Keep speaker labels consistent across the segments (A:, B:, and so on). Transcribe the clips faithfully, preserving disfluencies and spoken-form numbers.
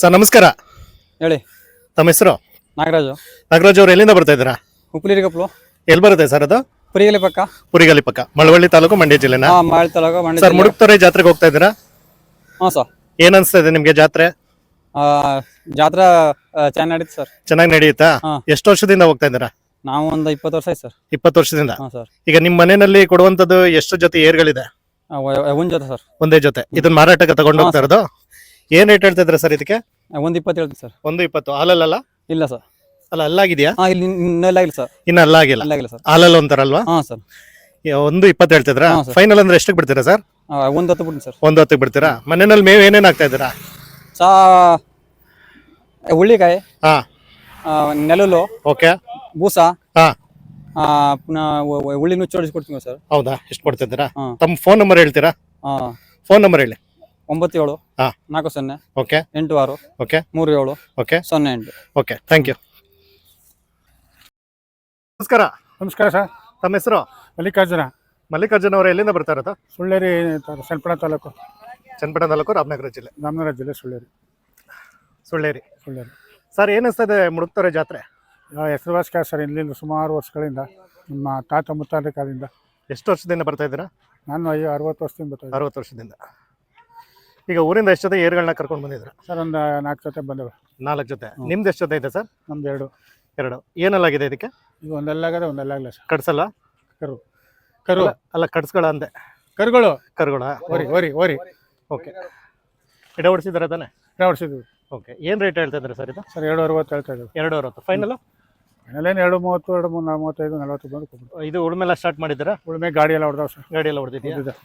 A: Sir ನಮಸ್ಕಾರ.
B: ಹೇಳಿ.
A: ತಮ್ಮ ಹೆಸರು?
B: ನಾಗರಾಜು.
A: ನಾಗರಾಜ್ ಅವರು ಎಲ್ಲಿಂದ ಬರ್ತಾ ಇದ್ದೀರಾ?
B: ಉಪ್ಪಲಿರಿಗಪ್ಲು.
A: ಎಲ್ಲಿ ಬರುತ್ತೆ ಸರ್ ಅದು?
B: ಪುರಿಗಲಿ ಪಕ್ಕ.
A: ಪುರಿಗಲಿ ಪಕ್ಕ, ಮಳವಳ್ಳಿ ತಾಲೂಕು, ಮಂಡ್ಯ ಜಿಲ್ಲೆನಾ?
B: ಹಾ, ಮಾಳ್ ತಾಲೂಕು, ಮಂಡ್ಯ
A: ಸರ್
B: ಜಿಲ್ಲೆ.
A: ಮುಡುಕ್ತೊರೆ ಜಾತ್ರೆಗೆ ಹೋಗ್ತಾ ಇದ್ದೀರಾ?
B: ಹಾ ಸರ್.
A: ಏನ್ ಅನ್ಸ್ತಾ ಇದೆ ನಿಮ್ಗೆ ಜಾತ್ರೆ?
B: ಆ, ಜಾತ್ರಾ ಚೆನ್ನಾಗಿ ನಡೀತು ಸರ್.
A: ಚೆನ್ನಾಗಿ ನಡೆಯುತ್ತಾ?
B: ಹಾ.
A: ಎಷ್ಟು ವರ್ಷದಿಂದ ಹೋಗ್ತಾ ಇದ್ದೀರಾ?
B: ನಾವು ಒಂದು ಇಪ್ಪತ್ತು ವರ್ಷ ಆಯ್ತು ಸರ್.
A: ಇಪ್ಪತ್ತು ವರ್ಷದಿಂದ.
B: ಹಾ ಸರ್.
A: ಈಗ ನಿಮ್ ಮನೆಯಲ್ಲಿ ಕೊಡುವಂತದ್ದು ಎಷ್ಟು ಜೊತೆ ಏರ್ಗಳಿದೆ?
B: ಆ, ವ- ಒಂದ್ ಜೊತೆ ಸರ್.
A: ಒಂದೇ ಜೊತೆ. ಇದನ್ನ ಮಾರಾಟಕ್ಕೆ ತಗೊಂಡು
B: ಹಾ,
A: ಹೋಗ್ತಾ ಇರೋದು? ಏನ್ ರೇಟ್ ಹೇಳ್ತಾ ಇದ್ದೀರಾ ಸರ್ ಇದಕ್ಕೆ?
B: ಆ, ಒಂದ್ ಇಪ್ಪತ್ತು ಹೇಳ್ತೀನಿ ಸರ್.
A: ಒಂದು ಇಪ್ಪತ್ತು. ಹಾಲಲ್ಲ?
B: ಇಲ್ಲ ಸರ್.
A: ಅಲ್ಲ, ಅಲ್ಲಾಗಿದ್ಯಾ?
B: ಹಾ, ಇಲ್ಲಿ ಇನ್ನೆಲ್ಲ ಇಲ್ಲ ಸರ್.
A: ಇನ್ನ ಅಲ್ಲಾಗಿಲ್ಲ.
B: ಅಲ್ಲಾಗಿಲ್ಲ ಸರ್.
A: ಹಾಲಲ್ಲ ಅಂತಾರಲ್ವಾ?
B: ಹಾ ಸರ್.
A: ಯಾ, ಒಂದು ಇಪ್ಪತ್ತು ಹೇಳ್ತಿದ್ರಾ?
B: ಹಾ, ಸರ್.
A: ಫೈನಲ್ ಅಂದ್ರೆ ಎಷ್ಟಕ್ಕೆ ಬಿಡ್ತೀರಾ ಸರ್?
B: ಆ, ಒಂದ್ ಹತ್ತು ಬಿಡ್ತೀನಿ ಸರ್.
A: ಒಂದು ಹತ್ತಿಗೆ ಬಿಡ್ತೀರಾ? ಮನೆಯಲ್ಲಿ ಮೇವು ಏನೇನ್ ಹಾಕ್ತಾ ಇದ್ದೀರಾ?
B: ಸಾ ಹುಳ್ಳಿಕಾಯಿ,
A: ಹಾ,
B: ಆ, ನೆಲಲು,
A: ಓಕೆ.
B: ಬೂಸ,
A: ಹಾ,
B: ಆ, ಪುನಃ ಉ- ಉ- ಹುಳ್ಳಿ ನುಚ್ಚು ಹೊಡಿಸ್ಕೊಡ್ತೀವಿ ಸರ್.
A: ಹೌದಾ? ಎಷ್ಟು ಕೊಡ್ತಿದ್ದೀರಾ?
B: ಹಾ.
A: ತಮ್ಮ ಫೋನ್ ನಂಬರ್ ಹೇಳ್ತೀರಾ?
B: ಆ,
A: ಫೋನ್ ನಂಬರ್ ಹೇಳಿ.
B: ಒಂಬತ್ತು ಏಳು
A: ಹಾ.
B: ನಾಲ್ಕು ಸೊನ್ನೆ
A: ಓಕೆ,
B: ಎಂಟು ಆರು
A: ಓಕೆ,
B: ಮೂರು ಏಳು
A: ಓಕೆ,
B: ಸೊನ್ನೆ ಎಂಟು.
A: ಓಕೆ. Thank you. ನಮಸ್ಕಾರ.
C: ನಮಸ್ಕಾರ ಸರ್.
A: ತಮ್ಮ ಹೆಸರು?
C: ಮಲ್ಲಿಕಾರ್ಜುನ.
A: ಮಲ್ಲಿಕಾರ್ಜುನ ಅವರು ಎಲ್ಲಿಂದ ಬರ್ತಾ ಇರೋದು?
C: ಸುಳ್ಳೇರಿ ಸಲ್ಪಣ ತಾಲೂಕು,
A: ಚನ್ನಪಟ್ಟಣ ತಾಲೂಕು, ರಾಮನಗರ ಜಿಲ್ಲೆ.
C: ರಾಮನಗರ ಜಿಲ್ಲೆ, ಸುಳ್ಳೇರಿ.
A: ಸುಳ್ಳೇರಿ.
C: ಸುಳ್ಳೇರಿ
A: ಸರ್, ಏನ್ ಅನಿಸ್ತಾ ಇದೆ ಮುಡುಕ್ತೊರೆ ಜಾತ್ರೆ?
C: ಹೆಸರುವಾಸಿಕ ಸರ್. ಇಲ್ಲಿಂದ ಸುಮಾರು ವರ್ಷಗಳಿಂದ ನಮ್ಮ ತಾತ ಮುತ್ತಾದ ಕಾಲದಿಂದ.
A: ಎಷ್ಟು ವರ್ಷದಿಂದ ಬರ್ತಾ ಇದ್ದೀರಾ?
C: ನಾನು ಐ ಅರವತ್ತು ವರ್ಷದಿಂದ ಬರ್ತಾ ಇದ್ದೀನಿ
A: ಅರವತ್ತು ವರ್ಷದಿಂದ. ಈಗ ಊರಿಂದ ಎಷ್ಟು ಜೊತೆ ಏರ್ಗಳನ್ನ ಕರ್ಕೊಂಡು ಬಂದಿದ್ರ?
C: ಸರ್. ಒಂದು ನಾಲ್ಕು ಜೊತೆ ಬಂದವೆ.
A: ನಾಲ್ಕು ಜೊತೆ. ನಿಮ್ದು ಎಷ್ಟು ಜೊತೆ ಇದೆ ಸರ್?
C: ನಮ್ದು ಎರಡು.
A: ಎರಡು. ಏನಲ್ಲಾಗಿದೆ ಇದಕ್ಕೆ?
C: ಈಗ ಒಂದೆಲ್ಲಾಗದೆ ಒಂದೆಲ್ಲಾಗಲ್ಲ ಸರ್.
A: ಕಡ್ಸಲ್ಲ?
C: ಕರು ಕರು
A: ಅಲ್ಲ, ಅಲ್ಲ, ಕಡ್ಸ್ಗಳ ಅಂದೆ.
C: ಕರುಗಳು
A: ಕರುಗಳ?
C: ಓರಿ ಓರಿ ಓರಿ
A: ಓಕೆ. ಎಡ ಹೊಡಿಸಿದಾರೆ ತಾನೆ?
C: ಹೊಡಿಸಿದ್ವಿ.
A: ಓಕೆ. ಏನು ರೇಟ್ ಹೇಳ್ತಾ ಇದ್ದಾರೆ ಸರ್ ಇದು?
C: ಸರ್ ಎರಡು ಅರವತ್ತು ಹೇಳ್ತಾ ಇದ್ದೀವಿ.
A: ಎರಡು ಅರವತ್ತು ಫೈನಲ್?
C: ಮನೇಲೇನು ಎರಡು ಮೂವತ್ತು, ಎರಡು ಮೂರು ಮೂವತ್ತೈದು, ನಲ್ವತ್ತು ಬಂದು ಕೊಡ್ಬಿಟ್ಟು.
A: ಇದು ಉಳುಮೆಲ್ಲ ಸ್ಟಾರ್ಟ್ ಮಾಡಿದ್ದೀರಾ?
C: ಉಳುಮೆ ಗಾಡಿ ಎಲ್ಲ ಹೊಡೆದವು ಸರ್.
A: ಗಾಡಿ ಎಲ್ಲ ಹೊಡೆದಿದ್ಯಾ?
C: ಹೊಡೆದಿದೆ.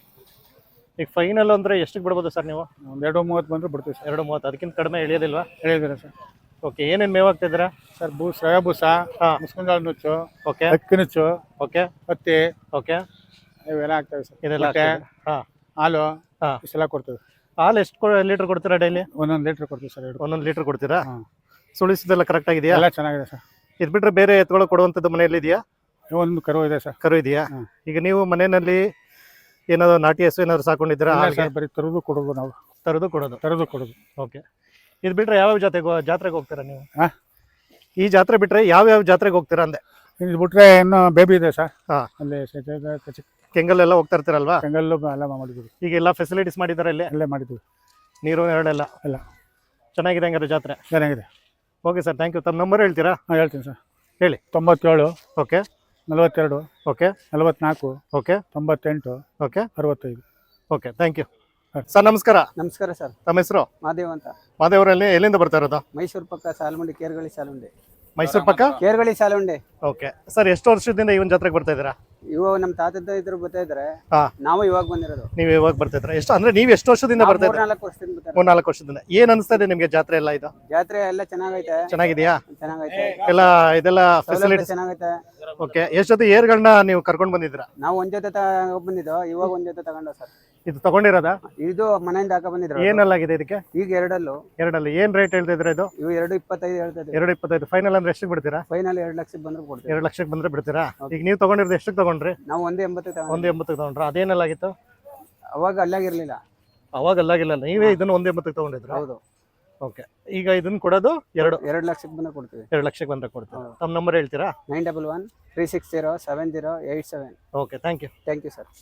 A: ಈಗ ಫೈನಲ್ ಅಂದ್ರೆ ಎಷ್ಟಕ್ಕೆ ಬಿಡ್ಬೋದು ಸರ್ ನೀವು?
C: ಒಂದು ಎರಡು ಮೂವತ್ತು ಬಂದರೆ ಬಿಡ್ತೀವಿ ಸರ್.
A: ಎರಡು ಮೂವತ್ತು. ಅದಕ್ಕಿಂತ ಕಡಿಮೆ ಇಳಿಯೋದಿಲ್ವಾ?
C: ಹೇಳಿದ್ದೀರಾ ಸರ್.
A: ಓಕೆ. ಏನೇನು ಮೇವು ಹಾಕ್ತಿದ್ದೀರಾ?
C: ಸರ್ ಬೂ ಸೊಯ ಬೂಸ,
A: ಹಾಂ,
C: ಮುಸ್ಕಂಜಾಳ ನುಚ್ಚು,
A: ಓಕೆ,
C: ಅಕ್ಕಿ ನುಚ್ಚು,
A: ಓಕೆ,
C: ಹತ್ತಿ,
A: ಓಕೆ.
C: ಇವೆಲ್ಲ ಆಗ್ತವೆ ಸರ್.
A: ಇದೆಲ್ಲ
C: ಮೊಟ್ಟೆ,
A: ಹಾಂ,
C: ಹಾಲು,
A: ಹಾಂ.
C: ಇಷ್ಟೆಲ್ಲ ಕೊಡ್ತೀವಿ.
A: ಹಾಲು ಎಷ್ಟು ಲೀಟರ್ ಕೊಡ್ತೀರಾ ಡೈಲಿ?
C: ಒಂದೊಂದು ಲೀಟ್ರ್ ಕೊಡ್ತೀವಿ ಸರ್. ಎರಡು
A: ಒಂದೊಂದು ಲೀಟರ್ ಕೊಡ್ತೀರಾ?
C: ಹಾಂ.
A: ಸುಳಿಸಿದೆಲ್ಲ ಕರೆಕ್ಟ್ ಆಗಿದೆಯಾ?
C: ಎಲ್ಲ ಚೆನ್ನಾಗಿದೆ ಸರ್.
A: ಇದು ಬಿಟ್ಟರೆ ಬೇರೆ ಎತ್ತುಗಳು ಕೊಡುವಂಥದ್ದು ಮನೆಯಲ್ಲಿ ಇದೆಯಾ?
C: ಒಂದು ಕರು ಇದೆ ಸರ್.
A: ಕರು ಇದೆಯಾ?
C: ಹಾಂ.
A: ಈಗ ನೀವು ಮನೆಯಲ್ಲಿ ಏನಾದ್ರು ನಾಟಿ ಹಸು ಏನಾದ್ರು ಸಾಕೊಂಡಿದ್ದೀರಾ?
C: ಇಲ್ಲ
A: ಹಾಗೆ
C: ಸರ್, ಬರೀ ತರೋದು ಕೊಡೋದು ನಾವು.
A: ತರೋದು ಕೊಡೋದು.
C: ತರೋದು ಕೊಡೋದು.
A: ಓಕೆ. ಇದು ಬಿಟ್ಟರೆ ಯಾವ್ಯಾವ ಜಾತ್ರೆಗೆ ಜಾತ್ರೆಗೆ ಹೋಗ್ತೀರಾ ನೀವು?
C: ಹಾಂ.
A: ಈ ಜಾತ್ರೆ ಬಿಟ್ಟರೆ ಯಾವ್ಯಾವ ಜಾತ್ರೆಗೆ ಹೋಗ್ತೀರಾ ಅಂದೆ?
C: ಇದು ಬಿಟ್ರೆ ಇನ್ನೂ ಬೇಬಿ ಇದೆ ಸರ್.
A: ಹಾಂ.
C: ಅಲ್ಲಿ
A: ಕೆಂಗಲ್ಲೆಲ್ಲ ಹೋಗ್ತಾ ಇರ್ತೀರಲ್ವಾ?
C: ಕೆಂಗಲ್ಲು ಎಲ್ಲ ಮಾಡಿದ್ವಿ.
A: ಈಗ ಎಲ್ಲ ಫೆಸಿಲಿಟೀಸ್ ಮಾಡಿದ್ದಾರೆ ಇಲ್ಲಿ?
C: ಅಲ್ಲೇ ಮಾಡಿದ್ವಿ.
A: ನೀರು ಎರಡೆಲ್ಲ
C: ಎಲ್ಲ
A: ಚೆನ್ನಾಗಿದೆ ಹಂಗಾರೆ ಜಾತ್ರೆ?
C: ಚೆನ್ನಾಗಿದೆ.
A: Okay sir, thank you. ತಮ್ಮ ನಂಬರ್ ಹೇಳ್ತೀರಾ?
C: ಹಾಂ, ಹೇಳ್ತೀನಿ ಸರ್.
A: ಹೇಳಿ.
C: ತೊಂಬತ್ತೇಳು,
A: ಓಕೆ,
C: ನಲವತ್ತೆರಡು,
A: ಓಕೆ,
C: ನಲವತ್ನಾಲ್ಕು,
A: ಓಕೆ,
C: ತೊಂಬತ್ತೆಂಟು,
A: ಓಕೆ,
C: ಅರವತ್ತೈದು.
A: ಓಕೆ. Thank you sir. ನಮಸ್ಕಾರ.
B: ನಮಸ್ಕಾರ ಸರ್.
A: ತಮ್ಮ ಹೆಸರು?
B: ಮಾದೇವ್ ಅಂತ.
A: ಮಾದೇವರಲ್ಲಿ ಎಲ್ಲಿಂದ ಬರ್ತಾ ಇರೋದು?
B: ಮೈಸೂರು ಪಕ್ಕ ಸಾಲುಂಡಿ, ಕೇರ್ಗಳಿ ಸಾಲುಂಡಿ.
A: ಮೈಸೂರು ಪಕ್ಕ
B: ಕೇರ್ಗಳಿ ಸಾಲುಂಡಿ.
A: Okay sir. ಎಷ್ಟು ವರ್ಷದಿಂದ ಇವನ್ ಜಾತ್ರೆಗೆ ಬರ್ತಾ ಇದ್ದೀರಾ?
B: ಇವಾಗ ನಮ್ಮ ತಾತದ ಇದ್ರು ಬರ್ತಾ ಇದ್ರೆ,
A: ಹಾ,
B: ನಾವು ಇವಾಗ ಬಂದಿರೋದು.
A: ನೀವು ಇವಾಗ ಬರ್ತಾ ಇದ್ರ? ಎಷ್ಟು ಅಂದ್ರೆ ನೀವು ಎಷ್ಟು ವರ್ಷದಿಂದ ಬರ್ತಾ ಇದ್ದೀರಾ?
B: ನಾಲ್ಕು ವರ್ಷದಿಂದ ಬರ್ತಾರೆ.
A: ಮೂರ್ ನಾಲ್ಕು ವರ್ಷದಿಂದ. ಏನ್ ಅನಿಸ್ತಾ ಇದೆ ನಿಮ್ಗೆ ಜಾತ್ರೆ ಎಲ್ಲ? ಇದು
B: ಜಾತ್ರೆ ಎಲ್ಲ ಚೆನ್ನಾಗೈತೆ.
A: ಚೆನ್ನಾಗಿದೆಯಾ?
B: ಚೆನ್ನಾಗೈತೆ.
A: ಎಲ್ಲ ಇದೆಲ್ಲ
B: ಸೌಲಭ್ಯ
A: ಫೆಸಿಲಿಟೀಸ್?
B: ಚೆನ್ನಾಗೈತೆ.
A: ಓಕೆ. ಎಷ್ಟು ಜೊತೆ ಏರ್ಗಳನ್ನ ನೀವು ಕರ್ಕೊಂಡು ಬಂದಿದ್ದೀರಾ?
B: ನಾವು ಒಂದ್ ಜೊತೆ ತಗೊಂಡ್ ಬಂದಿದ್ದು, ಇವಾಗ ಒಂದ್ ಜೊತೆ ತಗೊಂಡ ಸರ್.
A: ಇದು ತಗೊಂಡಿರೋದಾ?
B: ಇದು ಮನೆಯಿಂದ ಹಾಕ ಬಂದಿದ್ರು.
A: ಏನಲ್ಲಾಗಿದೆ ಇದಕ್ಕೆ?
B: ಈಗ ಎರಡಲ್ಲೂ.
A: ಎರಡಲ್ಲಿ ಏನ್ ರೇಟ್ ಹೇಳ್ತಿದ್ರೆ ಇದು?
B: ಇವು ಎರಡು ಇಪ್ಪತ್ತೈದು ಹೇಳ್ತಾ ಇದ್ದೀವಿ.
A: ಎರಡು ಇಪ್ಪತ್ತೈದು. ಫೈನಲ್ ಅಂದ್ರೆ ಎಷ್ಟಕ್ಕೆ ಬಿಡ್ತೀರಾ?
B: ಫೈನಲ್ ಎರಡು ಲಕ್ಷಕ್ಕೆ ಬಂದ್ರೆ ಕೊಡ್ತೀವಿ.
A: ಎರಡು ಲಕ್ಷಕ್ಕೆ ಬಂದ್ರೆ ಬಿಡ್ತೀರಾ? ಈಗ ನೀವು ತಗೊಂಡಿರೋದು ಎಷ್ಟಕ್ಕೆ ತಗೊಂಡ್ರಿ?
B: ನಾವು ಒಂದೇ ಎಂಬತ್ತು ತಗೊಂಡು.
A: ಒಂದು ಎಂಬತ್ತಕ್ಕೆ ತಗೊಂಡ್ರ? ಅದೇನಲ್ಲಾಗಿತ್ತು?
B: ಅವಾಗ ಅಲ್ಲಾಗಿರ್ಲಿಲ್ಲ.
A: ಅವಾಗ ಅಲ್ಲಾಗಿಲ್ಲ, ನೀವೇ ಇದನ್ನ ಒಂದು ಎಂಬತ್ತಕ್ಕೆ ತಗೊಂಡಿದ್ರ?
B: ಹೌದು.
A: ಓಕೆ. ಈಗ ಇದನ್ನ ಕೊಡೋದು ಎರಡು
B: ಎರಡು ಲಕ್ಷಕ್ಕೆ ಬಂದ್ರೆ ಕೊಡ್ತೀವಿ.
A: ಎರಡು ಲಕ್ಷಕ್ಕೆ ಬಂದ್ರೆ ಕೊಡ್ತೀರಾ? ತಮ್ಮ ನಂಬರ್ ಹೇಳ್ತೀರಾ?
B: Nine double one three six zero seven zero eight seven.
A: Okay. Thank you.
B: Thank you sir.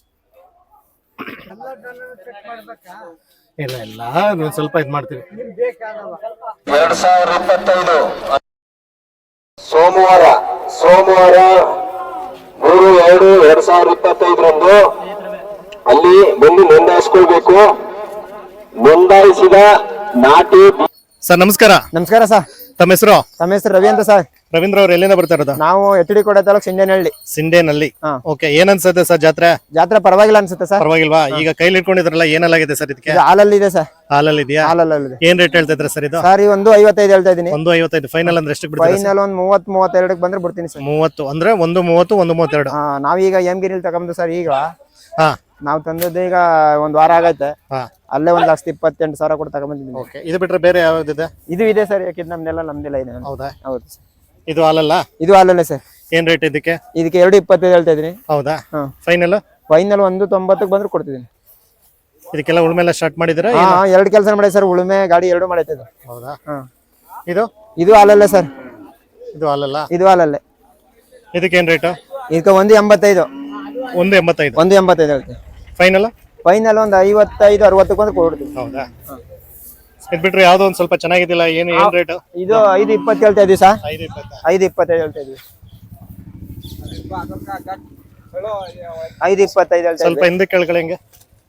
A: ಇಲ್ಲ ಇಲ್ಲ, ನೀವು ಸ್ವಲ್ಪ ಇದು ಮಾಡ್ತೀವಿ.
D: ಎರಡ್ ಸಾವಿರದ ಇಪ್ಪತ್ತೈದು ಸೋಮವಾರ ಸೋಮವಾರ ಮೂರು ಎರಡು ಎರಡ್ ಸಾವಿರದ ಇಪ್ಪತ್ತೈದರಂದು ಅಲ್ಲಿ ಬಂದು ನೋಂದಾಯಿಸ್ಕೊಳ್ಬೇಕು. ನೋಂದಾಯಿಸಿದ ನಾಟಿ.
A: ಸರ್ ನಮಸ್ಕಾರ.
E: ನಮಸ್ಕಾರ ಸರ್.
A: ತಮ್ಮ ಹೆಸರು?
E: ತಮ್ಮ ಹೆಸರು ರವಿ ಅಂತ ಸರ್.
A: ರವೀಂದ್ರ ಅವ್ರು ಎಲ್ಲಿಂದ ಬರ್ತಾ ಇರೋದು?
E: ನಾವು ಎಚ್ ಡಿ ಕೋಟೆ ತಾಲೂಕು ಸಿಂಡೇನಹಳ್ಳಿ.
A: ಸಿಂಡೇನಲ್ಲಿ.
E: ಹಾ.
A: ಓಕೆ. ಏನ್ ಅನ್ಸುತ್ತೆ ಸರ್ ಜಾತ್ರೆ?
E: ಜಾತ್ರೆ ಪರವಾಗಿಲ್ಲ ಅನ್ಸುತ್ತೆ ಸರ್.
A: ಪರವಾಗಿಲ್ವಾ? ಈಗ ಕೈಲಿ ಇಟ್ಕೊಂಡಿದ್ರಲ್ಲ, ಏನಲ್ಲಾಗಿದೆ ಸರ್ ಇದಕ್ಕೆ?
E: ಇದು ಹಾಲಲ್ಲಿ ಇದೆ ಸರ್.
A: ಹಾಲಲ್ಲಿ ಇದೆಯಾ?
E: ಹಾಲಲ್ಲಿ
A: ಏನ್ ರೇಟ್ ಹೇಳ್ತಾ ಇದ್ರೆ ಸರ್ ಇದು?
E: ಸರ್ ಈ ಒಂದು ಐವತ್ತೈದು ಹೇಳ್ತಾ ಇದೀನಿ.
A: ಒಂದು ಐವತ್ತೈದು. ಫೈನಲ್ ಅಂದ್ರೆ ಎಷ್ಟಕ್ಕೆ ಬಿಡ್ತೀರಾ?
E: ಫೈನಲ್ ಒಂದ್ ಮೂವತ್ ಮೂವತ್ತೆರಡಕ್ಕೆ ಬಂದ್ರೆ ಬಿಡ್ತೀನಿ ಸರ್.
A: ಮೂವತ್ತು ಅಂದ್ರೆ ಒಂದು ಮೂವತ್ತು, ಒಂದು ಮೂವತ್ತೆರಡು.
E: ಹಾ, ನಾವೀಗ ಎಮ್ಗಿರಿಲಿ ತಗೊಂಡು ಸರ್. ಈಗ
A: ಹಾ,
E: ನಾವು ತಂದದ್ದು ಈಗ ಒಂದ್ ವಾರ ಆಗೈತೆ.
A: ಹಾ.
E: ಅಲ್ಲೇ ಒಂದ್ ಲಕ್ಷದ ಇಪ್ಪತ್ತೆಂಟು ಸಾವಿರ ಕೊಟ್ಟು ತಗೊಂಡ್ಬಂದಿದ್ದೀನಿ.
A: ಓಕೆ. ಇದು ಬಿಟ್ರೆ ಬೇರೆ ಯಾವ್ದಿದೆ?
E: ಇದು ಇದೆ ಸರ್. ಯಾಕಿದ್ ನಮ್ದೆಲ್ಲ ನಮ್ದೆಲ್ಲ ಇದೆ.
A: ಹೌದಾ?
E: ಹೌದು ಸರ್.
A: ಇದು ಹಾಲಲ್ಲ?
E: ಇದು ಹಾಲಲ್ಲೇ ಸರ್.
A: ಏನ್ ರೇಟ್ ಇದಕ್ಕೆ?
E: ಇದಕ್ಕೆ ಎರಡು ಇಪ್ಪತ್ತೈದು ಹೇಳ್ತಾ ಇದೀನಿ.
A: ಹೌದಾ?
E: ಹಾ.
A: ಫೈನಲ್?
E: ಫೈನಲ್ ಒಂದು ತೊಂಬತ್ತಕ್ಕೆ ಬಂದ್ರೆ ಕೊಡ್ತಿದ್ದೀನಿ.
A: ಇದಕ್ಕೆಲ್ಲ ಉಳುಮೆ ಎಲ್ಲ ಸ್ಟಾರ್ಟ್ ಮಾಡಿದಿರಾ?
E: ಹಾ ಎರಡು ಕೆಲಸ ಮಾಡಿ ಸರ್, ಉಳುಮೆ ಗಾಡಿ ಎರಡು ಮಾಡೈತೆ ಇದು.
A: ಹೌದಾ?
E: ಹಾ
A: ಇದು
E: ಇದು ಹಾಲಲ್ಲೇ ಸರ್,
A: ಇದು ಹಾಲಲ್ಲ.
E: ಇದು ಹಾಲಲ್ಲೇ.
A: ಇದಕ್ಕೆ ಏನ್ ರೇಟು?
E: ಇದಕ್ಕೆ ಒಂದು ಎಂಬತ್ತೈದು.
A: ಒಂದು ಎಂಬತ್ತೈದು.
E: ಒಂದು ಎಂಬತ್ತೈದು ಹೇಳ್ತೀವಿ
A: ಫೈನಲ್.
E: ಫೈನಲ್ ಒಂದು ಐವತ್ತೈದು ಅರವತ್ತಕ್ಕೆ ಒಂದು ಕೊಡ್ತೀವಿ.
A: ಹೌದಾ? ಇದ್ ಬಿಟ್ರೆ ಯಾವ್ದೋ ಒಂದ್ ಸ್ವಲ್ಪ ಚೆನ್ನಾಗಿದ್ದಿಲ್ಲ, ಏನು ಏನ್ ರೇಟ್?
E: ಇದು ಐದು ಇಪ್ಪತ್ತು ಹೇಳ್ತಾ ಇದೀವಿ ಸರ್.
A: ಐದು ಇಪ್ಪತ್ತ.
E: ಐದು ಇಪ್ಪತ್ತೈದು ಹೇಳ್ತಾ ಇದೀವಿ. ಐದು ಇಪ್ಪತ್ತೈದು ಹೇಳ್ತಾ
A: ಸ್ವಲ್ಪ
E: ಇದ್ವಿ.
A: ಹಿಂದೆ ಕೆಳಗಡೆ ಹೆಂಗೆ?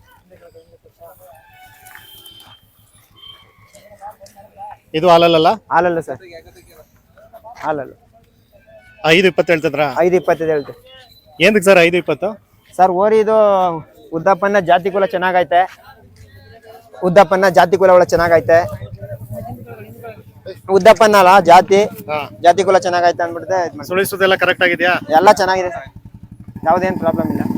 A: ಇದು ಹಾಲಲ್ಲ?
E: ಹಾಲಲ್ಲ ಸರ್, ಹಾಲಲ್ಲ.
A: ಐದು ಇಪ್ಪತ್ತು ಹೇಳ್ತಿದ್ರ?
E: ಐದು ಇಪ್ಪತ್ತೈದು ಹೇಳ್ತೀವಿ.
A: ಏನಕ್ಕೆ ಸರ್ ಐದು ಇಪ್ಪತ್ತು?
E: ಸರ್ ಓರಿ ಇದು ಉದ್ದಪ್ಪನ ಜಾತಿ ಕುಲ ಚೆನ್ನಾಗೈತೆ, ಉದ್ದಪ್ಪನ ಜಾತಿ ಕುಲ ಒಳ್ಳೆ ಚೆನ್ನಾಗೈತೆ. ಉದ್ದಪ್ಪನ ಅಲ್ಲ ಜಾತಿ,
A: ಹಾ.
E: ಜಾತಿ ಕುಲ ಚೆನ್ನಾಗೈತೆ ಅಂದ್ಬಿಡ್ತೆ. ಇದ್ ಮಾಡ್ತೀವಿ.
A: ಸುಳಿಸೋದೆಲ್ಲ ಕರೆಕ್ಟ್ ಆಗಿದ್ಯಾ?
E: ಎಲ್ಲ ಚೆನ್ನಾಗಿದೆ ಸರ್, ಯಾವುದೇನು ಪ್ರಾಬ್ಲಮ್ ಇಲ್ಲ.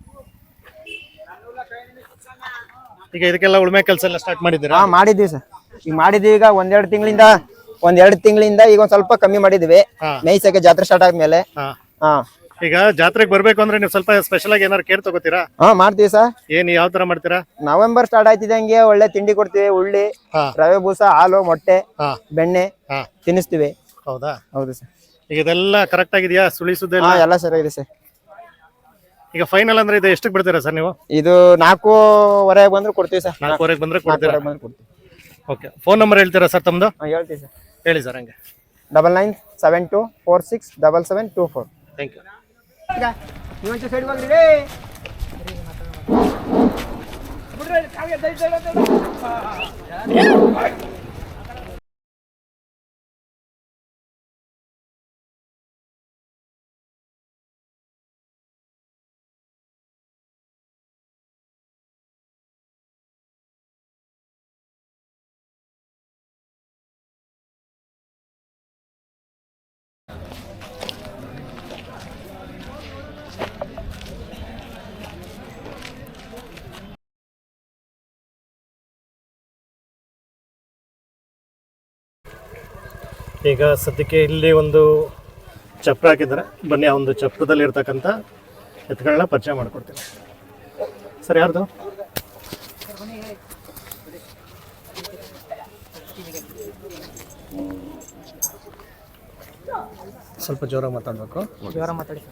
A: ಈಗ ಇದಕ್ಕೆಲ್ಲ ಉಳುಮೆ ಕೆಲಸ ಎಲ್ಲ ಸ್ಟಾರ್ಟ್ ಮಾಡಿದ್ದೀರಾ?
E: ಹಾ ಮಾಡಿದ್ವಿ ಸರ್, ಈಗ ಮಾಡಿದ್ವಿ. ಈಗ ಒಂದೆರಡು ತಿಂಗಳಿಂದ ಒಂದೆರಡು ತಿಂಗಳಿಂದ ಈಗ ಒಂದ್ ಸ್ವಲ್ಪ ಕಮ್ಮಿ ಮಾಡಿದ್ವಿ.
A: ಹಾ.
E: ಮೇಯ್ಸಕ್ಕೆ ಜಾತ್ರೆ ಸ್ಟಾರ್ಟ್ ಆದ್ಮೇಲೆ.
A: ಹಾ.
E: ಹಾ
A: ಈಗ ಜಾತ್ರೆಗೆ ಬರ್ಬೇಕು ಅಂದ್ರೆ ನೀವು ಸ್ವಲ್ಪ ಸ್ಪೆಷಲ್ ಆಗಿ ಏನಾರು ಕೇರ್ ತಗೋತೀರಾ?
E: ಹಾ ಮಾಡ್ತೀವಿ ಸರ್.
A: ಏನ್ ಯಾವ ತರ ಮಾಡ್ತೀರಾ?
E: ನವೆಂಬರ್ ಸ್ಟಾರ್ಟ್ ಆಯ್ತಿದಂಗೆ ಒಳ್ಳೆ ತಿಂಡಿ ಕೊಡ್ತೀವಿ. ಉಳ್ಳಿ,
A: ಹಾ.
E: ರವೆ ಬೂಸ, ಹಾಲು, ಮೊಟ್ಟೆ,
A: ಹಾ.
E: ಬೆಣ್ಣೆ
A: ಹಾ.
E: ತಿನ್ನಿಸ್ತೀವಿ.
A: ಹೌದಾ?
E: ಹೌದು ಸರ್.
A: ಈಗ ಇದೆಲ್ಲ ಕರೆಕ್ಟ್ ಆಗಿದ್ಯಾ ಸುಳಿಸೋದೆಲ್ಲ?
E: ಹಾ ಎಲ್ಲ ಸರಿಯಾಗಿದೆ ಸರ್.
A: ಈಗ ಫೈನಲ್ ಅಂದ್ರೆ ಇದು ಎಷ್ಟಕ್ಕೆ ಬಿಡ್ತೀರಾ ಸರ್ ನೀವು?
E: ಇದು ನಾಲ್ಕೂವರೆಗೆ ಬಂದ್ರೆ ಕೊಡ್ತೀವಿ ಸರ್.
A: ನಾಲ್ಕೂವರೆಗೆ ಬಂದ್ರೆ ಕೊಡ್ತೀರಾ?
E: ನಾಲ್ಕೂವರೆಗೆ ಬಂದ್ರೆ ಕೊಡ್ತೀವಿ.
A: ಓಕೆ, ಫೋನ್ ನಂಬರ್ ಹೇಳ್ತೀರಾ ಸರ್ ತಮ್ಮದು?
E: ಹಾ ಹೇಳ್ತೀವಿ ಸರ್.
A: ಹೇಳಿ ಸರ್ ಹಂಗೆ.
E: Double nine seven two four six double seven two four.
A: Thank you.
E: Side ಬಂದ್ರಿ.
A: ಈಗ ಸದ್ಯಕ್ಕೆ ಇಲ್ಲಿ ಒಂದು ಚಪ್ರ ಹಾಕಿದ್ದಾರೆ. ಬನ್ನಿ ಆ ಒಂದು ಚಪ್ರದಲ್ಲಿ ಇರ್ತಕ್ಕಂಥ ಎತ್ತುಗಳನ್ನ ಪರಿಚಯ ಮಾಡ್ಕೊಡ್ತೀನಿ. ಸರ್ ಯಾರ್ದು? ಸ್ವಲ್ಪ ಜೋರ ಮಾತಾಡ್ಬೇಕು.
E: ಜೋರ ಮಾತಾಡಿ.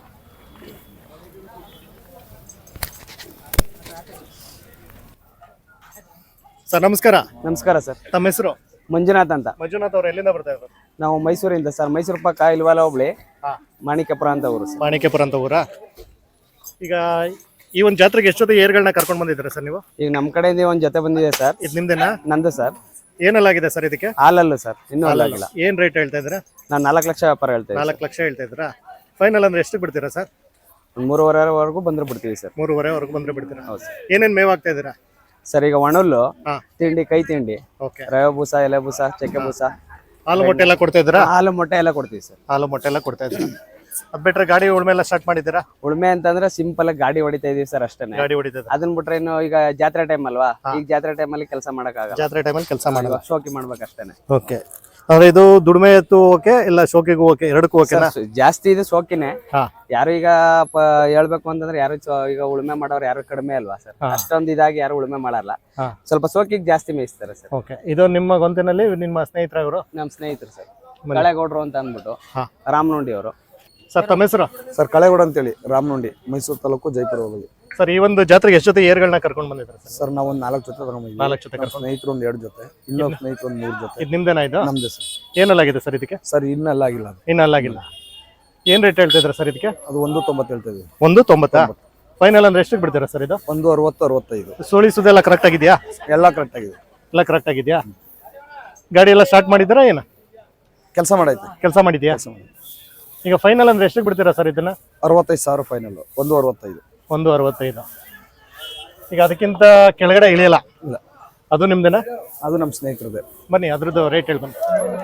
A: ಸರ್ ನಮಸ್ಕಾರ.
B: ನಮಸ್ಕಾರ ಸರ್.
A: ತಮ್ಮ ಹೆಸರು?
B: ಮಂಜುನಾಥ್ ಅಂತ.
A: ಮಂಜುನಾಥ್ ಅವ್ರು ಎಲ್ಲಿಂದ ಬರ್ತಾ ಇದ್ದಾರೆ?
B: ನಾವು ಮೈಸೂರಿಂದ ಸರ್. ಮೈಸೂರು ಪಕ್ಕ ಇಲ್ವಾಲ ಹೋಬ್ಳಿ,
A: ಹಾ.
B: ಮಾಣಿಕ್ಯಪುರ ಅಂತ ಊರು ಸರ್.
A: ಮಾಣಿಕ್ಯಪುರ ಅಂತ ಊರಾ? ಈಗ ಈ ಒಂದು ಜಾತ್ರೆಗೆ ಎಷ್ಟೊತ್ತು ಏರ್ಗಳನ್ನ ಕರ್ಕೊಂಡು ಬಂದಿದ್ದೀರಾ ಸರ್ ನೀವು?
B: ಈಗ ನಮ್ಮ ಕಡೆಯಿಂದ ಒಂದು ಜೊತೆ ಬಂದಿದೆ ಸರ್.
A: ಇದು ನಿಮ್ದೇನಾ?
B: ನಂದು ಸರ್.
A: ಏನಲ್ಲಾಗಿದೆ ಸರ್ ಇದಕ್ಕೆ?
B: ಹಾಲಲ್ಲ ಸರ್, ಇನ್ನೂ ಹಾಲಾಗಿಲ್ಲ.
A: ಏನ್ ರೇಟ್ ಹೇಳ್ತಾ ಇದ್ದೀರಾ?
B: ನಾನು ನಾಲ್ಕು ಲಕ್ಷ ವ್ಯಾಪಾರ ಹೇಳ್ತೇವೆ.
A: ನಾಲ್ಕು ಲಕ್ಷ ಹೇಳ್ತಾ ಇದ್ದೀರಾ? ಫೈನಲ್ ಅಂದ್ರೆ ಎಷ್ಟು ಬಿಡ್ತೀರಾ ಸರ್?
B: ಮೂರುವರೆವರೆಗೂ ಬಂದ್ರೆ ಬಿಡ್ತೀವಿ ಸರ್.
A: ಮೂರುವರೆವರೆಗೂ ಬಂದ್ರೆ ಬಿಡ್ತೀರಾ?
B: ಹೌದು ಸರ್.
A: ಏನೇನ್ ಮೇವ್ ಆಗ್ತಾ ಇದ್ದೀರಾ?
B: ಸರ್ ಈಗ ಒಣಲ್ಲು,
A: ಹಾ.
B: ತಿಂಡಿ, ಕೈ ತಿಂಡಿ,
A: ಓಕೆ.
B: ರವೆ ಬೂಸ, ಎಲೆ ಬೂಸ, ಚಕ್ಕೆ ಬೂಸ,
A: ಹಾಲು ಮೊಟ್ಟೆ ಎಲ್ಲ ಕೊಡ್ತಾ ಇದ್ದೀರಾ?
B: ಹಾಲು ಮೊಟ್ಟೆ ಎಲ್ಲ ಕೊಡ್ತೀವಿ ಸರ್.
A: ಹಾಲು ಮೊಟ್ಟೆ ಎಲ್ಲ ಕೊಡ್ತಾ ಇದ್ದೀರಾ? ಅದ್ ಬಿಟ್ರೆ ಗಾಡಿ ಉಳ್ಮೆ ಎಲ್ಲ ಸ್ಟಾರ್ಟ್ ಮಾಡಿದ್ದೀರಾ?
B: ಉಳ್ಮೆ ಅಂತಂದ್ರೆ ಸಿಂಪಲ್ ಆಗಿ ಗಾಡಿ ಹೊಡಿತಾ ಇದೀವಿ ಸರ್ ಅಷ್ಟೇ.
A: ಗಾಡಿ ಹೊಡಿತದ?
B: ಅದನ್ನ ಬಿಟ್ರೆ ಇನ್ನು ಈಗ ಜಾತ್ರೆ ಟೈಮ್ ಅಲ್ವಾ, ಈಗ ಜಾತ್ರೆ ಟೈಮ್ ಅಲ್ಲಿ ಕೆಲಸ ಮಾಡಕ್ ಆಗಲ್ಲ.
A: ಜಾತ್ರೆ ಟೈಮಲ್ಲಿ ಕೆಲಸ ಮಾಡೋದು,
B: ಶೋಕಿ ಮಾಡ್ಬೇಕು ಅಷ್ಟೇನೆ.
A: ಓಕೆ. ಅಂದ್ರೆ ಇದು ದುಡಿಮೆ ಎತ್ತು ಓಕೆ, ಇಲ್ಲ ಶೋಕಿಗೂ ಓಕೆ, ಎರಡಕ್ಕೂ ಓಕೆನಾ?
B: ಸರ್, ಜಾಸ್ತಿ ಇದು ಶೋಕಿನೇ.
A: ಹಾ.
B: ಯಾರು ಈಗ ಪ- ಹೇಳ್ಬೇಕು ಅಂತಂದ್ರೆ ಯಾರು ಚೊ- ಈಗ ಉಳುಮೆ ಮಾಡೋರು ಯಾರು ಕಡಿಮೆ ಅಲ್ವಾ ಸರ್. ಅಷ್ಟೊಂದು ಇದಾಗಿ ಯಾರು ಉಳುಮೆ ಮಾಡಲ್ಲ.
A: ಹಾ.
B: ಸ್ವಲ್ಪ ಶೋಕಿಗೆ ಜಾಸ್ತಿ ಮೇಯಿಸ್ತಾರೆ ಸರ್.
A: ಓಕೆ. ಇದು ನಿಮ್ಮ ಗೊಂತಿನಲ್ಲಿ ನಿಮ್ಮ ಸ್ನೇಹಿತರ ಅವರು?
B: ನಮ್ಮ ಸ್ನೇಹಿತರು ಸರ್, ಕಳೆಗೌಡ್ರು ಅಂತ ಅಂದ್ಬಿಟ್ಟು,
A: ಹಾ.
B: ರಾಮನುಂಡಿ ಅವರು.
A: ಸರ್ ತಮ್ಮ ಹೆಸರು?
F: ಸರ್ ಕಳೆಗೌಡ ಅಂತೇಳಿ, ರಾಮನುಂಡಿ, ಮೈಸೂರು ತಾಲೂಕು, ಜೈಪುರ ಹೋಗಲಿ.
A: ಸರ್ ಈ ಒಂದು ಜಾತ್ರೆಗೆ ಎಷ್ಟು ಜೊತೆ ಏರ್ಗಳನ್ನ ಕರ್ಕೊಂಡು ಬಂದಿದ್ದಾರೆ ಸರ್?
F: ಸರ್ ನಾವು ಒಂದು ನಾಲ್ಕು ಜೊತೆ ತಗೊಂಡಿದ್ದೀವಿ.
A: ನಾಲ್ಕು ಜೊತೆ ಕರ್ಕೊಂಡು.
F: ಸ್ನೇಹಿತರು ಒಂದು ಎರಡು ಜೊತೆ, ಇನ್ನೊಂದು ಸ್ನೇಹಿತರು ಒಂದು ಮೂರು ಜೊತೆ.
A: ಇದು ನಿಮ್ದೇನಾ ಇದು?
F: ನಮ್ದು ಸರ್.
A: ಏನಲ್ಲಾಗಿದೆ ಸರ್ ಇದಕ್ಕೆ?
F: ಸರ್ ಇನ್ನೆಲ್ಲ ಆಗಿಲ್ಲ ಅದು.
A: ಇನ್ನು ಅಲ್ಲಾಗಿಲ್ಲ. ಏನ್ ರೇಟ್ ಹೇಳ್ತಿದ್ರ ಸರ್ ಇದಕ್ಕೆ?
F: ಅದು ಒಂದು ತೊಂಬತ್ತು ಹೇಳ್ತಾ ಇದೀವಿ.
A: ಒಂದು ತೊಂಬತ್ತಾ? ಫೈನಲ್ ಅಂದ್ರೆ ಎಷ್ಟಕ್ಕೆ ಬಿಡ್ತೀರಾ ಸರ್ ಇದು?
F: ಒಂದು ಅರವತ್ತು ಅರವತ್ತೈದು.
A: ಸುಳಿಸೋದೆಲ್ಲ ಕರೆಕ್ಟ್ ಆಗಿದೆಯಾ?
F: ಎಲ್ಲ ಕರೆಕ್ಟ್ ಆಗಿದೆ.
A: ಎಲ್ಲ ಕರೆಕ್ಟ್ ಆಗಿದೆಯಾ? ಗಾಡಿ ಎಲ್ಲ ಸ್ಟಾರ್ಟ್ ಮಾಡಿದ್ದೀರಾ ಏನು?
F: ಕೆಲಸ ಮಾಡೈತೆ.
A: ಕೆಲಸ ಮಾಡಿದ್ಯಾ? ಈಗ ಫೈನಲ್ ಅಂದ್ರೆ ಎಷ್ಟಕ್ಕೆ ಬಿಡ್ತೀರಾ ಸರ್ ಇದನ್ನ?
F: ಅರವತ್ತೈದು ಸಾವಿರ ಫೈನಲ್. ಒಂದು ಅರವತ್ತೈದು.
A: ಒಂದು ಅರವತ್ತೈದು. ಈಗ ಅದಕ್ಕಿಂತ ಕೆಳಗಡೆ ಇಳಿಯಲ್ಲ?
F: ಇಲ್ಲ.
A: ಅದು ನಿಮ್ದೇನಾ?
F: ಅದು ನಮ್ಮ ಸ್ನೇಹಿತರದೇ.
A: ಬನ್ನಿ ಅದ್ರದ್ದು ರೇಟ್ ಹೇಳಿ ಬನ್ನಿ.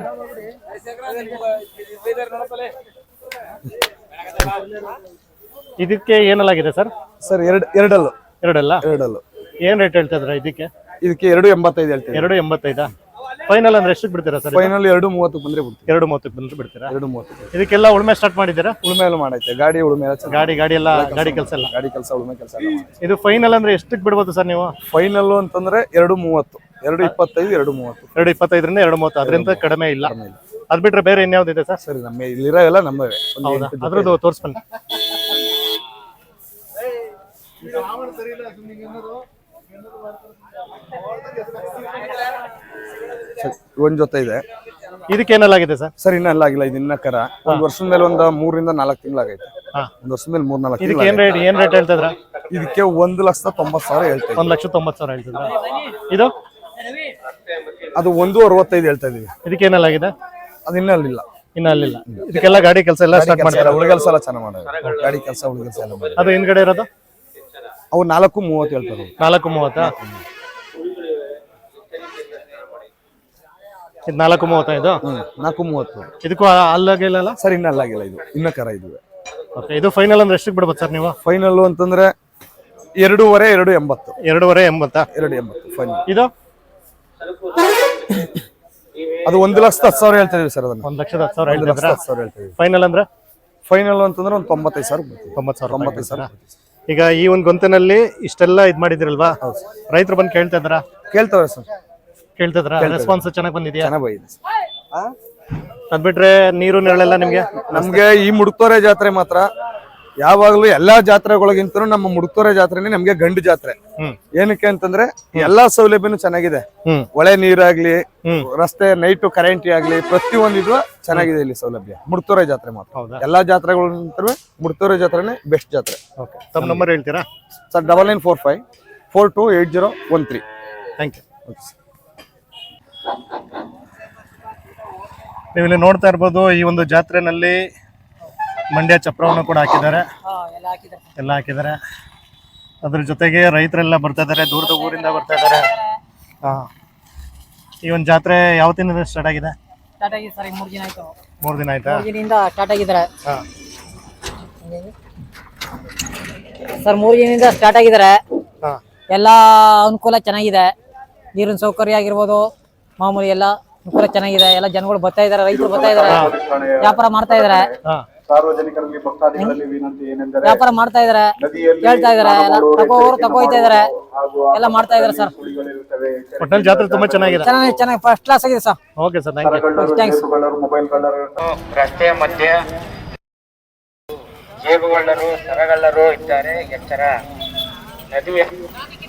A: ಇದಕ್ಕೆ ಏನಲ್ಲಾಗಿದೆ ಸರ್?
F: ಸರ್ ಎರಡು ಎರಡಲ್ಲು.
A: ಎರಡಲ್ಲ?
F: ಎರಡಲ್ಲು.
A: ಏನ್ ರೇಟ್ ಹೇಳ್ತಾ ಇದ್ರ ಇದಕ್ಕೆ?
F: ಇದಕ್ಕೆ ಎರಡು ಎಂಬತ್ತೈದು ಹೇಳ್ತೀವಿ.
A: ಎರಡು ಎಂಬತ್ತೈದಾ? ಫೈನಲ್ ಅಂದ್ರೆ ಎಷ್ಟಕ್ಕೆ ಬಿಡ್ತೀರಾ ಸರ್?
F: ಫೈನಲ್ ಎರಡು ಮೂವತ್ತು ಬಂದ್ರೆ ಬಿಡ್ತೀವಿ.
A: ಎರಡು ಮೂವತ್ತಕ್ಕೆ ಬಂದ್ರೆ ಬಿಡ್ತೀರಾ?
F: ಎರಡು ಮೂವತ್ತು.
A: ಇದಕ್ಕೆಲ್ಲ ಉಳುಮೆ ಸ್ಟಾರ್ಟ್ ಮಾಡಿದ್ದೀರಾ?
F: ಉಳುಮೆ ಎಲ್ಲ ಮಾಡೈತೆ, ಗಾಡಿ ಉಳುಮೆ ಎಲ್ಲ ಚೆನ್ನಾಗಿ-
A: ಗಾಡಿ ಗಾಡಿ ಎಲ್ಲ ಗಾಡಿ ಕೆಲಸ ಎಲ್ಲ
F: ಗಾಡಿ ಕೆಲಸ ಉಳುಮೆ ಕೆಲಸ ಎಲ್ಲ ಮಾಡೈತೆ.
A: ಇದು ಫೈನಲ್ ಅಂದ್ರೆ ಎಷ್ಟಕ್ಕೆ ಬಿಡ್ಬೋದು ಸರ್ ನೀವು?
F: ಫೈನಲ್ ಅಂತಂದ್ರೆ ಎರಡು ಮೂವತ್ತು, ಎರಡು ಇಪ್ಪತ್ತೈದು, ಎರಡು ಮೂವತ್ತು.
A: ಎರಡು ಇಪ್ಪತ್ತೈದರಿಂದ ಎರಡು ಮೂವತ್ತು, ಅದರಿಂದ ಕಡಿಮೆ ಇಲ್ಲ. ಅದ್ ಬಿಟ್ರೆ ಬೇರೆ ಇನ್ಯಾವ್ದಿದೆ ಸರ್?
F: ಸರಿ, ನಮ್ಮ ಇಲ್ಲಿರೋ ಎಲ್ಲ ನಮ್ಮವೇ. ಒಂದು
A: ಹೌದಾ?
F: ಎಂಟು ಜೊತೆ
A: ಅದ್ರದ್ದು ತೋರಿಸ್ಬನ್ನಿ.
F: ಒಂದ್ ಜೊತೆ ಇದೆ.
A: ಇದಕ್ಕೇನೆಲ್ಲಾಗಿದೆ ಸರ್?
F: ಸರ್ ಇನ್ನ ಎಲ್ಲ ಆಗಿಲ್ಲ, ಇದು ಇನ್ನ ಕರ. ಒಂದ್ ವರ್ಷದ ಮೇಲೆ ಒಂದ್ ಮೂರರಿಂದ ನಾಲ್ಕು ತಿಂಗಳಾಗೈತೆ.
A: ಹಾ.
F: ಒಂದ್ ವರ್ಷದ ಮೇಲೆ ಮೂರ್ ನಾಲ್ಕು
A: ಇದಕ್ಕೆ ಏನ್ ರೇಟ್ ಏನ್ ರೇಟ್ ಹೇಳ್ತಿದ್ರ?
F: ಇದಕ್ಕೆ ಒಂದು ಲಕ್ಷದ ತೊಂಬತ್ತು ಸಾವಿರ ಹೇಳ್ತಾ
A: ಒಂದ್ ಲಕ್ಷ ತೊಂಬತ್ತು ಸಾವಿರ ಹೇಳ್ತಿದ್ರ. ಇದು
F: ಅದು ಒಂದು ಅರವತ್ತೈದು ಹೇಳ್ತಾ ಇದೀವಿ.
A: ಇದಕ್ಕೇನೆಲ್ಲಾಗಿದೆ?
F: ಅದು ಇನ್ನ ಅಲ್ಲಿಲ್ಲ,
A: ಇನ್ನ ಅಲ್ಲಿಲ್ಲ. ಇದಕ್ಕೆಲ್ಲ ಗಾಡಿ ಕೆಲಸ ಎಲ್ಲ ಸ್ಟಾರ್ಟ್ ಮಾಡ್ತಾರೆ.
F: ಉಳಿಗೆಲ್ಸ ಎಲ್ಲ ಚೆನ್ನಾಗಿ ಮಾಡೋದು, ಗಾಡಿ ಕೆಲಸ ಉಳಿಗೆಲ್ಸ ಎಲ್ಲ ಮಾಡೋದು.
A: ಅದು ಹಿಂದ್ಗಡೆ ಇರೋದು
F: ಅವು ನಾಲ್ಕು ಮೂವತ್ತು ಹೇಳ್ತಾರೆ.
A: ನಾಲ್ಕು ಮೂವತ್ತಾ? ಇದು ನಾಲ್ಕು ಮೂವತ್ತೈದು.
F: ಹ್ಮ್, ನಾಲ್ಕು ಮೂವತ್ತು.
A: ಇದಕ್ಕೂ ಅಲ್ಲಾಗಿಲ್ಲ
F: ಸರ್ ಇನ್ನ ಅಲ್ಲಾಗಿಲ್ಲ, ಇದು ಇನ್ನ ಕರ ಇದುವೆ.
A: ಓಕೆ, ಇದು ಫೈನಲ್ ಅಂದ್ರೆ ಎಷ್ಟಕ್ಕೆ ಬಿಡ್ಬೋದು ಸರ್ ನೀವು?
F: ಫೈನಲ್ ಅಂತಂದ್ರೆ ಎರಡೂವರೆ, ಎರಡು ಎಂಬತ್ತು.
A: ಎರಡೂವರೆ ಎಂಬತ್ತಾ?
F: ಎರಡು ಎಂಬತ್ತು ಫೈನಲ್.
A: ಇದು
F: ಅದು ಒಂದು ಲಕ್ಷದ ಹತ್ತು ಸಾವಿರ ಹೇಳ್ತಾ ಇದೀವಿ ಸರ್. ಅದನ್ನ
A: ಒಂದ್ ಲಕ್ಷದ ಹತ್ತು ಸಾವಿರ
F: ಒಂದು ಲಕ್ಷದ
A: ಹೇಳ್ತಿದ್ರ?
F: ಹತ್ತು ಸಾವಿರ ಹೇಳ್ತಾ ಇದೀವಿ.
A: ಫೈನಲ್ ಅಂದ್ರೆ
F: ಫೈನಲ್ ಅಂತಂದ್ರೆ ಒಂದು ತೊಂಬತ್ತೈದು ಸಾವಿರ ಬರ್ತೀವಿ.
A: ತೊಂಬತ್ತು ಸಾವಿರ
F: ತೊಂಬತ್ತೈದು ಸಾವಿರ
A: ಈಗ ಈ ಒಂದು ಗೊಂತಿನಲ್ಲಿ ಇಷ್ಟೆಲ್ಲ ಇದ್ ಮಾಡಿದಿರಲ್ವಾ, ರೈತರು ಬಂದು ಕೇಳ್ತಾ ಇದ್ರ?
F: ಕೇಳ್ತಾವ್ರೆ ಸರ್,
A: ಕೇಳ್ತಿದ್ರ? ರೆಸ್ಪಾನ್ಸ್ ಚೆನ್ನಾಗಿ ಬಂದಿದ್ಯಾ?
F: ಚೆನ್ನಾಗಿ ಬಂದಿದೆ ಸರ್.
A: ಅದ್ ಬಿಟ್ರೆ ನೀರು ನೆರಳೆಲ್ಲ ನಿಮ್ಗೆ?
F: ನಮ್ಗೆ ಈ ಮುಡುಕ್ತೋರೆ ಜಾತ್ರೆ ಮಾತ್ರ ಯಾವಾಗ್ಲೂ ಎಲ್ಲಾ ಜಾತ್ರೆಗಳಿಗಿಂತನೂ ನಮ್ಮ ಮುಡುಕ್ತೋರೆ ಜಾತ್ರೆನೇ ನಮ್ಗೆ ಗಂಡು ಜಾತ್ರೆ.
A: ಹ್ಮ್.
F: ಏನಕ್ಕೆ ಅಂತಂದ್ರೆ ಎಲ್ಲಾ ಸೌಲಭ್ಯನೂ ಚೆನ್ನಾಗಿದೆ.
A: ಹ್ಮ್.
F: ಒಳೆ ನೀರಾಗ್ಲಿ,
A: ಹ್ಮ್.
F: ರಸ್ತೆ ನೈಟು ಕರೆಂಟ್ ಆಗ್ಲಿ, ಪ್ರತಿಯೊಂದಿದ್ರು ಚೆನ್ನಾಗಿದೆ ಇಲ್ಲಿ ಸೌಲಭ್ಯ. ಮುಡುಕ್ತೋರೆ ಜಾತ್ರೆ ಮಾತ್ರ.
A: ಹೌದಾ?
F: ಎಲ್ಲಾ ಜಾತ್ರೆಗಳಿಂತಲೂ ಮುಡುಕ್ತೋರೆ ಜಾತ್ರೆನೇ ಬೆಸ್ಟ್ ಜಾತ್ರೆ.
A: ಓಕೆ, ತಮ್ಮ ನಂಬರ್ ಹೇಳ್ತೀರಾ?
F: Sir double nine four five four two eight zero one three.
A: Thank you. ನೀವು ಇಲ್ಲಿ ನೋಡ್ತಾ ಇರ್ಬೋದು, ಈ ಒಂದು ಜಾತ್ರೆನಲ್ಲಿ ಮಂಡ್ಯ ಚಪ್ರವನ್ನು ಕೂಡ ಹಾಕಿದ್ದಾರೆ, ಎಲ್ಲ ಹಾಕಿದ್ದಾರೆ. ಅದ್ರ ಜೊತೆಗೆ ರೈತರೆಲ್ಲ ಬರ್ತಾ ಇದ್ದಾರೆ, ದೂರದ ಊರಿಂದ ಬರ್ತಾ ಇದ್ದಾರೆ. ಹಾ, ಈ ಒಂದು ಜಾತ್ರೆ ಯಾವತ್ತಿಂದ ಸ್ಟಾರ್ಟ್ ಆಗಿದೆ?
G: ಸ್ಟಾರ್ಟ್ ಆಗಿದೆ ಸರ್, ಮೂರು ದಿನ ಆಯ್ತು.
A: ಮೂರು ದಿನ ಆಯ್ತಾ?
G: ಮೂರು ದಿನದಿಂದ ಸ್ಟಾರ್ಟ್ ಆಗಿದ್ದಾರೆ
A: ಹಾ.
G: ಸರ್. ಮೂರು ದಿನದಿಂದ ಸ್ಟಾರ್ಟ್ ಆಗಿದ್ದಾರೆ.
A: ಹಾ.
G: ಎಲ್ಲ ಅನುಕೂಲ ಚೆನ್ನಾಗಿದೆ, ನೀರಿನ ಸೌಕರ್ಯ ಆಗಿರ್ಬೋದು, ಮಾಮೂಲಿ ಎಲ್ಲ ಅನುಕೂಲ ಚೆನ್ನಾಗಿದೆ. ಎಲ್ಲ ಜನಗಳು ಬರ್ತಾ ಇದಾರೆ, ರೈತರು ಬರ್ತಾ ಇದಾರೆ, ವ್ಯಾಪಾರ ಮಾಡ್ತಾ ಇದಾರೆ.
A: ಹಾ.
H: ಸಾರ್ವಜನಿಕರಲ್ಲಿ ಭಕ್ತಾದಿಗಳಲ್ಲಿ ವಿನಂತಿ ಏನೆಂದರೆ
G: ವ್ಯಾಪಾರ ಮಾಡ್ತಾ ಇದಾರೆ, ಕೇಳ್ತಾ ಇದಾರೆ, ಎಲ್ಲ ತಗೋರು ತಗೋಯ್ತಾ ಇದಾರೆ, ಎಲ್ಲ ಮಾಡ್ತಾ ಇದಾರೆ ಸರ್.
A: ಒಟ್ಟಲ್ಲಿ ಜಾತ್ರೆ ತುಂಬಾ ಚೆನ್ನಾಗಿದೆ.
G: ಚೆನ್ನಾಗಿ ಚೆನ್ನಾಗಿ ಫಸ್ಟ್ ಕ್ಲಾಸ್ ಆಗಿದೆ sir.
A: Okay sir, thank you.
G: Thanks.
H: Mobile ಕಳ್ಳರು,
I: ರಸ್ತೆಯ ಮಧ್ಯೆ ಜೇಬುಗಳ್ಳರು, ಸರಗಳ್ಳರು ಇದ್ದಾರೆ. ಎಚ್ಚರ. ನದಿಯ